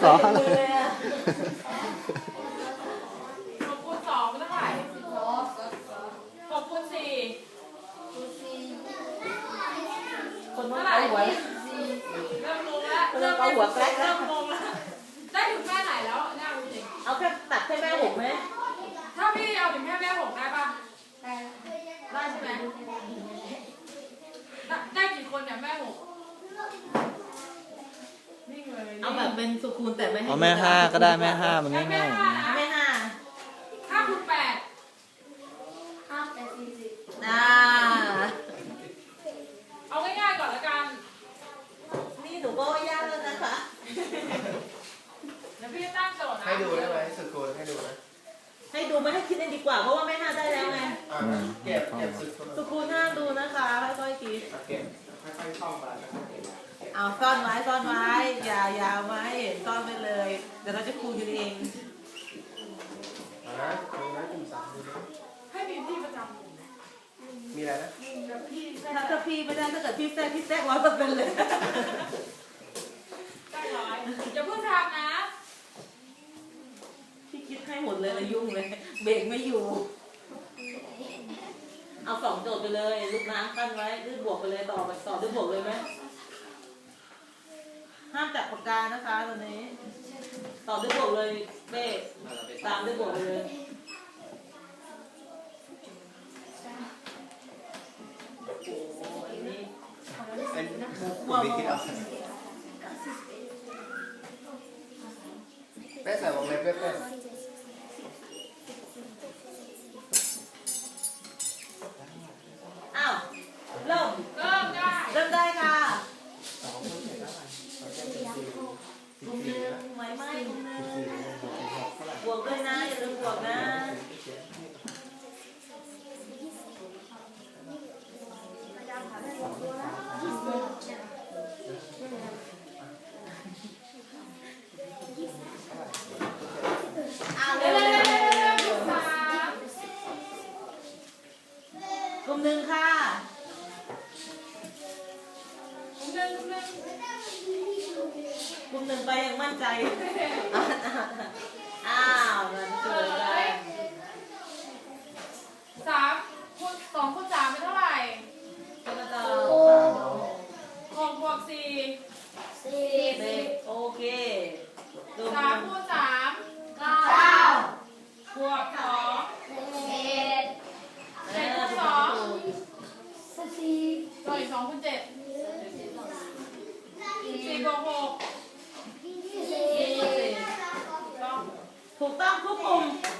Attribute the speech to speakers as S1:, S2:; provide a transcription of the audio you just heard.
S1: ออะไร
S2: 6 คูณ 2เป็นเท่าไหร่6 คูณ 4
S3: คนว่า
S2: เท่าไหร่
S3: เอาหัว
S2: เริ่มงงแล้ว
S3: เริ่มเอาหัวแกล้งแล้ว
S2: เริ่มงงแล้วได้ถึงแม่ไหนแล้วเนี่ยจริง
S3: เอาแค่ตัดแค่แม่หกไหม
S2: ถ้าพี่เอาถึงแม่6ได้ป่ะได้ใช่ไหมได้กี่คนเนี่ยแม่6นิ่งเลย
S3: เอาแบบเป็นสุคูณแต่ไม่ให้
S1: เอาแม่ห้าก็ได้แม่ห้ามันง่าย
S3: แม่ห้า
S2: 5 คูณ 8
S3: อ่า
S2: เอาง่ายๆก่อนละกัน
S3: นี่หนูก็ว่ายากแล้วนะคะ
S2: เดี๋ยวพี่จะตั้งโจทย์นะ
S4: ให้ดูได้ไหมสุดโกนให้ดูนะ
S3: ให้ดูไม่ให้คิดเองดีกว่าเพราะว่าแม่ห้าได้แล้วไง
S4: เก็บสุดโกน
S3: สุคูณห้ามดูนะคะค่อยๆคิด
S4: เก็บค่อยๆท่องไปนะครับ
S3: เอาซ่อนไว้อย่าไว้เห็นซ่อนไปเลยเดี๋ยวเราจะคูณกันเอง
S4: ดูนะกลุ่มสามดูนะ
S2: ให้มีพี่ประจำ
S4: มีอะไรนะ
S2: กับพี่แท้
S3: ถ้าพี่ไม่ได้ถ้าเกิดพี่แทรก100%เลย
S2: ได้ร้อยอย่าเพิ่งทำนะ
S3: พี่คิดให้หมดเลยยุ่งเลยเบรกไม่อยู่ เอา2 โจทย์ไปเลยลูกน้ำขั้นไว้ด้วยบวกไปเลยต่อด้วยบวกเลยไหมห้ามจับปากกานะคะตอนนี้ต่อด้วยบวกเลยเบ้ตามด้วยบวกไปเลยโอ้ยนี่
S4: เป็นกลุ่มวิคิดเอาแม่ใส่วงเล็บด้วย
S3: อ้าวเริ่ม
S2: เริ่มได้
S3: เริ่มได้ค่ะกลุ่มหนึ่งไหวไหมกลุ่มหนึ่งบวกด้วยนะอย่าลืมบวกนะเอาเร็วกลุ่มหนึ่งค่ะกลุ่มหนึ่งไปยังมั่นใจอ้าวมันเกิดอะไร
S2: 2 คูณ 3เป็นเท่าไหร่
S3: กระต่าย
S2: 6 บวก 4
S3: เด็กโอเคกลุ่ม
S2: 3 คูณ 3 บวก 2 7 คูณ 2ตัวอีก2 คูณ 7 4 บวก 6
S3: ถูกต้องทุกกลุ่ม